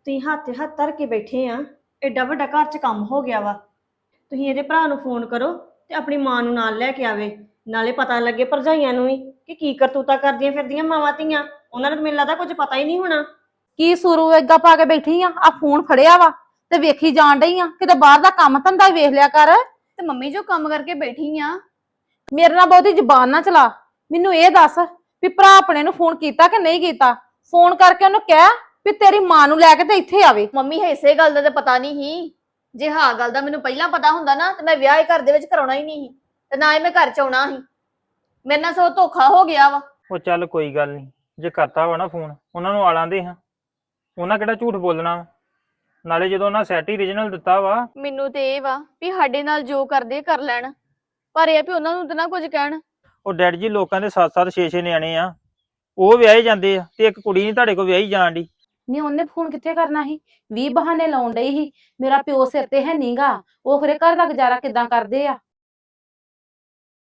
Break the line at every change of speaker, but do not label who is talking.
ਤੁਸੀਂ ਹੱਥ ਤੇ ਹੱਥ ਧਰ ਕੇ ਬੈਠੇ ਆ। ਐਡਾ ਵੱਡਾ ਘਰ 'ਚ ਕੰਮ ਹੋ ਗਿਆ ਵਾ। ਤੁਸੀਂ ਇਹਦੇ ਭਰਾ ਨੂੰ ਫੋਨ ਕਰੋ ਤੇ ਆਪਣੀ ਮਾਂ ਨੂੰ ਨਾਲ ਲੈ ਕੇ ਆਵੇ। ਨਾਲੇ ਪਤਾ ਲੱਗੇ ਭਰਜਾਈਆਂ ਨੂੰ ਵੀ ਕਿ ਕੀ ਕਰਤੂਤਾ ਕਰਦੀਆਂ ਫਿਰਦੀਆਂ ਮਾਵਾਂ ਧੀਆਂ। ਉਹਨਾਂ ਨੂੰ ਤਾਂ ਮੈਨੂੰ ਲੱਗਦਾ ਕੁਝ ਪਤਾ ਹੀ ਨਹੀਂ ਹੋਣਾ।
ਕੀ ਸੁਰੂ ਏਦਾਂ ਪਾ ਕੇ ਬੈਠੀ ਆ ਫੋਨ ਫੜਿਆ ਵਾ ਤੇ ਵੇਖੀ ਜਾਣ ਡਈ ਆ, ਕਿਤੇ ਬਾਹਰ ਦਾ ਕੰਮ ਧੰਦਾ ਵੇਖ ਲਿਆ ਕਰ।
ਤੇ ਮੰਮੀ ਜੋ ਕੰਮ ਕਰਕੇ ਬੈਠੀ ਆ।
ਮੇਰੇ ਨਾਲ ਬਹੁਤੀ ਜ਼ੁਬਾਨ ਨਾ ਚਲਾ। ਮੈਨੂੰ ਇਹ ਦੱਸ ਵੀ ਭਰਾ ਆਪਣੇ ਨੂੰ ਫੋਨ ਕੀਤਾ ਕਿ ਨਹੀਂ ਕੀਤਾ। ਫੋਨ ਕਰਕੇ ਉਹਨੂੰ ਕਹਿ ਵੀ ਤੇਰੀ ਮਾਂ ਨੂੰ ਲੈ ਕੇ ਤੇ ਇੱਥੇ ਆਵੇ।
ਮੰਮੀ ਇਸੇ ਗੱਲ ਦਾ ਤੇ ਪਤਾ ਨਹੀਂ ਸੀ। ਜੇ ਹਾਂ ਗੱਲ ਦਾ ਮੈਨੂੰ ਪਹਿਲਾਂ ਪਤਾ ਹੁੰਦਾ ਨਾ ਤੇ ਮੈਂ ਵਿਆਹ ਹੀ ਘਰ ਦੇ ਵਿੱਚ ਕਰਾਉਣਾ ਹੀ ਨਹੀਂ ਸੀ ਤੇ ਨਾ ਹੀ ਮੈਂ ਘਰ ਚ ਆਉਣਾ ਸੀ। ਮੇਰੇ ਨਾਲ ਸੋ ਧੋਖਾ ਹੋ ਗਿਆ ਵਾ।
ਉਹ ਚੱਲ ਕੋਈ ਗੱਲ ਨਹੀਂ, ਜੇ ਕਰਤਾ ਵਾ ਨਾ ਫੋਨ ਉਹਨਾਂ ਨੂੰ ਆਲਾਂ ਦੇ ਹਾਂ, ਉਹਨਾਂ ਕਿਹੜਾ ਝੂਠ ਬੋਲਣਾ ਵਾ। ਨਾਲੇ ਜਦੋਂ ਉਹਨਾਂ ਸੈਟ ਹੀ ਰੀਜਨਲ ਦਿੱਤਾ ਵਾ।
ਮੈਨੂੰ ਤੇ ਇਹ ਵਾ ਵੀ ਸਾਡੇ ਨਾਲ ਜੋ ਕਰਦੇ ਕਰ ਲੈਣ, ਪਰ ਇਹ ਵੀ ਉਹਨਾਂ ਨੂੰ ਤਾਂ ਨਾ ਕੁਝ ਕਹਿਣ।
ਉਹ ਡੈਡ ਜੀ ਲੋਕਾਂ ਦੇ 7-7 6-6 ਨਿਆਣੇ ਆ, ਉਹ ਵਿਆਹੇ ਜਾਂਦੇ ਆ ਤੇ ਇੱਕ ਕੁੜੀ ਨਹੀਂ ਤੁਹਾਡੇ ਕੋਲ ਵਿਆਹੀ ਜਾਣ ਦੀ।
ਨਹੀਂ ਉਹਨੇ ਫੋਨ ਕਿੱਥੇ ਕਰਨਾ ਸੀ? 20 ਬਹਾਨੇ ਲਾਉਣ ਡਈ ਸੀ। ਮੇਰਾ ਪਿਓ ਸਿਰ ਤੇ ਹੈ ਨੀਗਾ, ਉਹ ਖਰੇ ਘਰ ਦਾ ਗੁਜ਼ਾਰਾ ਕਿੱਦਾਂ ਕਰਦੇ ਆ।